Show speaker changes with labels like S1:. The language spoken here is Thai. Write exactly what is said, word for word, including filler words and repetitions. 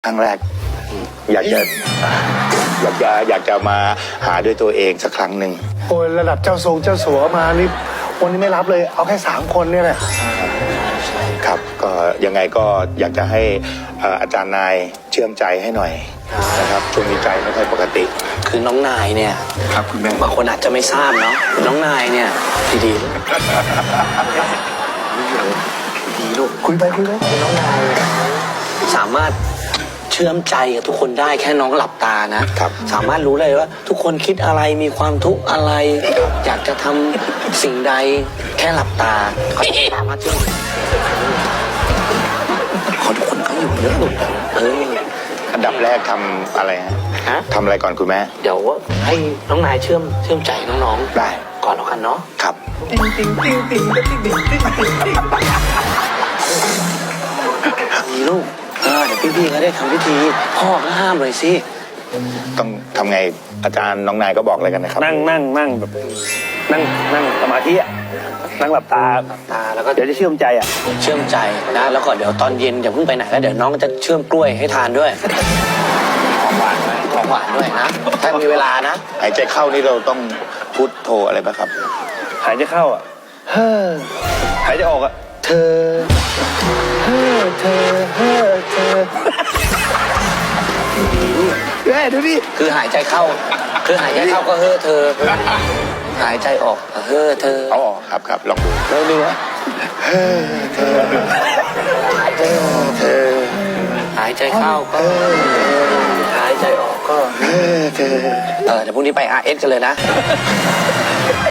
S1: รั้งแรกอยากจะอยากจะอยากจะมาหาด้วยตัวเองสักครั้งหนึ่ง
S2: โอ้ยระดับเจ้าทรงเจ้าสัวมานี่วันนี้ไม่รับเลยเอาแค่สามคนเนี่ยแหละ
S1: ครับก็ยังไงก็อยากจะให้อาจารย์นายเชื่อมใจให้หน่อยนะครับช่วงนี้ใจไม่ค่อยปกติ
S3: คือน้องนายเนี่ย
S1: ครับคุณแม่
S3: บางคนอาจจะไม่ทราบเนาะน้องนายเนี่ยดีดีดีลูก
S2: คุยไปคุยไป
S3: น้องนายสามารถเชื่อมใจกับทุกคนได้แค่น้องหลับตานะครับสามารถรู้เลยว่าทุกคนคิดอะไรมีความทุกข์อะไรอยากจะทำสิ่งใดแค่หลับตาเขาสามารถเชื่อมขอทุกคนเขาอยู่เยอะลูกเออ
S1: อันดับแรกทำอะไรฮะ
S3: ฮะ
S1: ทำอะไรก่อนคุณแม่
S3: เดี๋ยวให้น้องนายเชื่อมเชื่อมใจน้องๆ
S1: ได้
S3: ก่อนแล้วกันเนาะ
S1: ครับ
S2: ติ๊งติ๊งติ๊งติ๊งติ๊งติ๊งติ๊งติ๊งติ๊ง
S3: มีลูกเออเดี๋ยวพี่ๆเขาได้ทำพิธีพ่อก็ห้ามเลยสิ
S1: ต้องทำไงอาจารย์น้องนายก็บอกอะไรกันนะครับ
S2: นั่งนั่งนั่งแบบนั่งนั่งสมาธิอ่ะนั่งหลับตา
S3: ตาแล้วก็
S2: เดี๋ยวจะเชื่อมใจอ่ะ
S3: เชื่อมใจนะแล้วก็เดี๋ยวตอนเย็นอย่าเพิ่งไปไหนแล้วเดี๋ยวน้องจะเชื่อมกล้วยให้ทานด้วยของหวานด้วยของหวานด้วยนะถ้ามีเวลานะ
S1: หายใจเข้านี่เราต้องพุทโธอะไรป่ะครับ
S2: หายใจเข้าอ่ะเฮ้อหายใจออกอ่ะเธอเฮ้อเธอเฮ้อเธอเฮ้ยดูดิ
S3: คือหายใจเข้าคือหายใจเข้าก็เฮ้อเธอหายใจออกเฮ้อเธอ
S1: อ๋อครับครับลองดู
S2: ลองดูนะ
S1: เฮ้อเธอเฮ้อเธอ
S3: หายใจเข้าก็หายใจออกก็
S1: เฮ้อเธอ
S3: เออเดี๋ยวพรุ่งนี้ไป อาร์ เอส กันเลยนะ